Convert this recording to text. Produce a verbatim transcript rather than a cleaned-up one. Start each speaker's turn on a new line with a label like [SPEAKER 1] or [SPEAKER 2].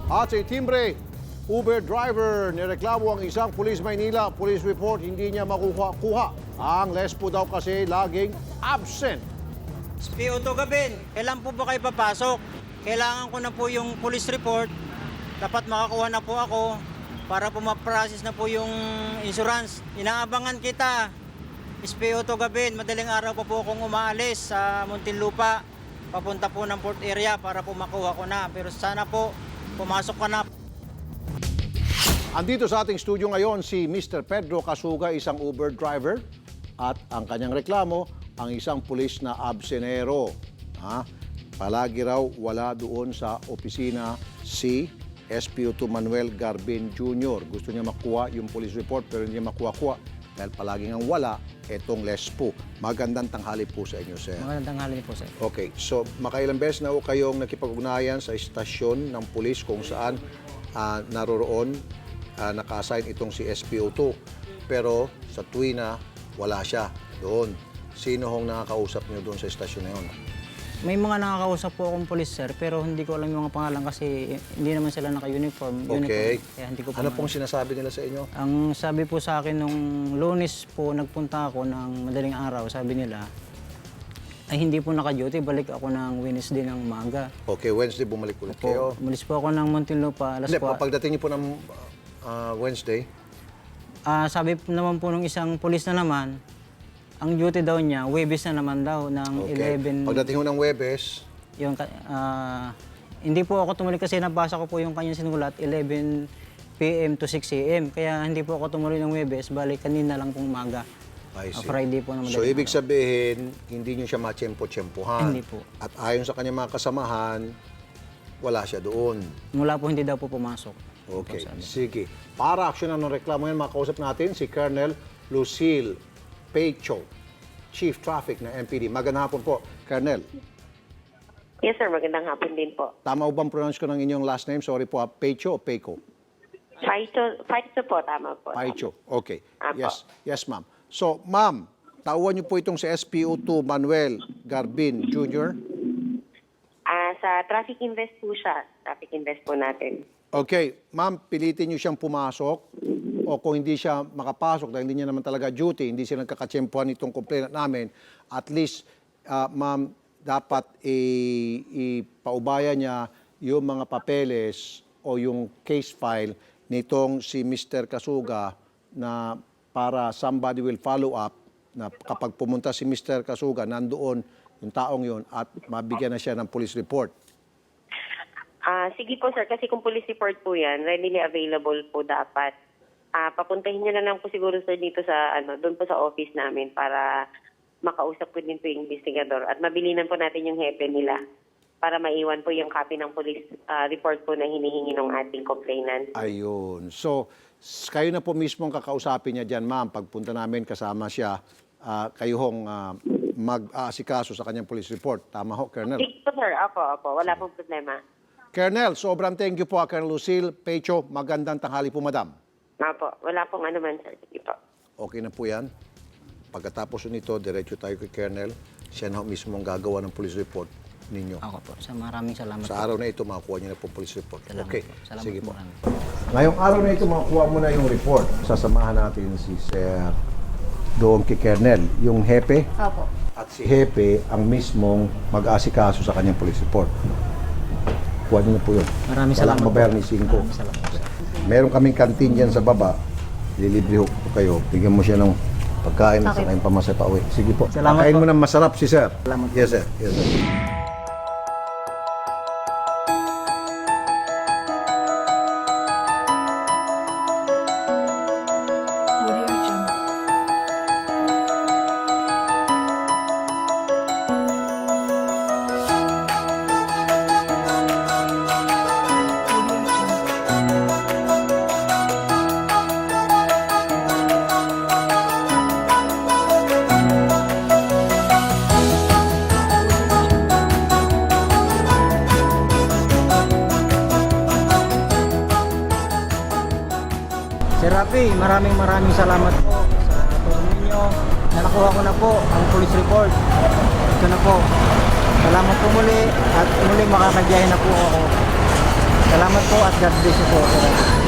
[SPEAKER 1] At sa timbre, Uber driver, nireklamo ang isang pulis Maynila. Police report, hindi niya makuha-kuha. Ang lespo daw kasi laging absent.
[SPEAKER 2] S P O to Gabin, kailan po ba kayo papasok? Kailangan ko na po yung police report. Dapat makakuha na po ako para po ma-process na po yung insurance. Inaabangan kita. S P O to Gabin, madaling araw pa po akong umaalis sa Muntinlupa. Papunta po ng port area para po makuha ko na. Pero sana po, pumasok ka na.
[SPEAKER 1] Andito sa ating studio ngayon si Mister Pedro Casuga, isang Uber driver. At ang kanyang reklamo, ang isang pulis na absenero. Ha? Palagi raw wala doon sa opisina si S P O two Manuel Garbin Junior Gusto niya makuha yung police report pero hindi niya makuha-kuha dahil palagi ngang wala etong lespo. Magandang tanghali po sa inyo, sir.
[SPEAKER 3] Magandang tanghali po, sir.
[SPEAKER 1] Okay, so makailang beses na ho kayong nakipag-ugnayan sa istasyon ng pulis kung saan uh, naroroon, uh, naka-assign itong si S P O two. Pero sa tuwi na, wala siya doon. Sino hong nakakausap niyo doon sa istasyon na yun?
[SPEAKER 3] May mga nakakausap po akong police, sir, pero hindi ko alam yung mga pangalan kasi hindi naman sila naka-uniform.
[SPEAKER 1] Okay.
[SPEAKER 3] Uniform, kaya hindi ko po
[SPEAKER 1] Ano
[SPEAKER 3] ma-
[SPEAKER 1] pong sinasabi nila sa inyo?
[SPEAKER 3] Ang sabi po sa akin nung Lunes po, nagpunta ako ng madaling araw, sabi nila, ay hindi po naka-duty, balik ako ng Wednesday ng umaga.
[SPEAKER 1] Okay, Wednesday bumalik ulit
[SPEAKER 3] Po,
[SPEAKER 1] kayo.
[SPEAKER 3] umalis po ako ng Muntinlupa, alas
[SPEAKER 1] Hindi,
[SPEAKER 3] kwa-
[SPEAKER 1] pagdating niyo po ng uh, Wednesday,
[SPEAKER 3] Ah, sabi po naman po nung isang police na naman, ang duty daw niya, Webes na naman daw, ng
[SPEAKER 1] okay.
[SPEAKER 3] eleven.
[SPEAKER 1] Pagdating ho ng Webes,
[SPEAKER 3] Yung, ah, hindi po ako tumuloy kasi nabasa ko po yung kanyang sinulat, eleven p m to six a m Kaya hindi po ako tumuloy ng Webes, balik kanina lang pong umaga.
[SPEAKER 1] I
[SPEAKER 3] Ah,
[SPEAKER 1] see.
[SPEAKER 3] Friday po naman.
[SPEAKER 1] So, ibig sabihin, hindi niyo siya matsyempo-tsyempohan.
[SPEAKER 3] Hindi po.
[SPEAKER 1] At ayon sa kanyang mga kasamahan, wala siya doon.
[SPEAKER 3] Mula po hindi daw po pumasok.
[SPEAKER 1] Okay,
[SPEAKER 3] Po, sabi.
[SPEAKER 1] sige. Para aksyonan ng reklamo yan, makausap natin si Colonel Lucille Pecho, Chief Traffic ng M P D. Magandang hapon po, Colonel.
[SPEAKER 4] Yes, sir. Magandang hapon din po.
[SPEAKER 1] Tama o bang pronounce ko ng inyong last name? Sorry po, ha? Pecho o Peco?
[SPEAKER 4] Paito, Paito po, tama po.
[SPEAKER 1] Pecho. Okay.
[SPEAKER 4] Apo.
[SPEAKER 1] Yes, yes ma'am. So, ma'am, tauhan niyo po itong si S P O two Manuel Garbin Junior
[SPEAKER 4] Ah, sa traffic invest po siya. Traffic invest po natin.
[SPEAKER 1] Okay, ma'am, pilitin niyo siyang pumasok o kung hindi siya makapasok dahil hindi niya naman talaga duty, hindi siya nagkakatsyempohan itong complainant namin, at least, uh, ma'am, dapat i- ipaubaya niya yung mga papeles o yung case file nitong si Mister Casuga na para somebody will follow up na kapag pumunta si Mister Casuga, nandoon yung taong yun at mabigyan na siya ng police report.
[SPEAKER 4] Ah, sige po, sir. Kasi kung police report po yan, readily available po dapat. Ah, papuntahin niyo na lang po siguro, sir, dito sa, ano, doon po sa office namin para makausap ko din po yung investigador at mabilinan po natin yung hepe nila para maiwan po yung copy ng police ah, report po na hinihingi ng ating complainant.
[SPEAKER 1] Ayun. So, s- kayo na po mismo ang kakausapin niya dyan, ma'am. Pagpunta namin kasama siya, ah, kayo hong ah, mag-aasikaso sa kanyang police report. Tama ho, Colonel?
[SPEAKER 4] Sige po, sir. Apo, apo. Wala pong problema.
[SPEAKER 1] Colonel, sobrang thank you po, Colonel Lucille Pecho. Magandang tanghali po, madam.
[SPEAKER 4] Apo. Wala pong ano man, sir. Sige po.
[SPEAKER 1] Okay na po yan. Pagkatapos nito, diretso tayo kay Colonel. Siya na ho mismo ang gagawa ng police report ninyo.
[SPEAKER 3] Ako po. Sa maraming salamat
[SPEAKER 1] Sa
[SPEAKER 3] po.
[SPEAKER 1] araw na ito, makakuha niyo na po police report.
[SPEAKER 3] Salamat
[SPEAKER 1] Okay,
[SPEAKER 3] po. Salamat
[SPEAKER 1] sige po.
[SPEAKER 3] po marami.
[SPEAKER 1] Ngayong araw na ito, makakuha mo na yung report. Sasamahan natin si Sir doon kay Colonel, yung hepe.
[SPEAKER 5] Opo.
[SPEAKER 1] At si hepe ang mismong mag-aasikaso sa kanyang police report. Kuha niyo na po yun.
[SPEAKER 3] Maraming
[SPEAKER 1] Walang
[SPEAKER 3] salamat po.
[SPEAKER 1] mabayar ni Cinco.
[SPEAKER 3] Maraming salamat po, sir.
[SPEAKER 1] Meron kaming kantin dyan sa baba. Lilibre ho po kayo. Bigyan mo siya ng pagkain at
[SPEAKER 5] Okay.
[SPEAKER 1] saka yung pamasahe pa uwi. Sige po.
[SPEAKER 3] Salamat
[SPEAKER 1] Pakain
[SPEAKER 3] po.
[SPEAKER 1] mo ng masarap si Sir.
[SPEAKER 3] Salamat po.
[SPEAKER 1] Yes, sir. Yes, sir.
[SPEAKER 3] Sir Rafi, maraming maraming salamat po sa tulong ninyo. Nalakuha ko na po ang police report. Ito na po. Salamat po muli at muli makakadyahin na po ako. Salamat po at God bless you po. Sir.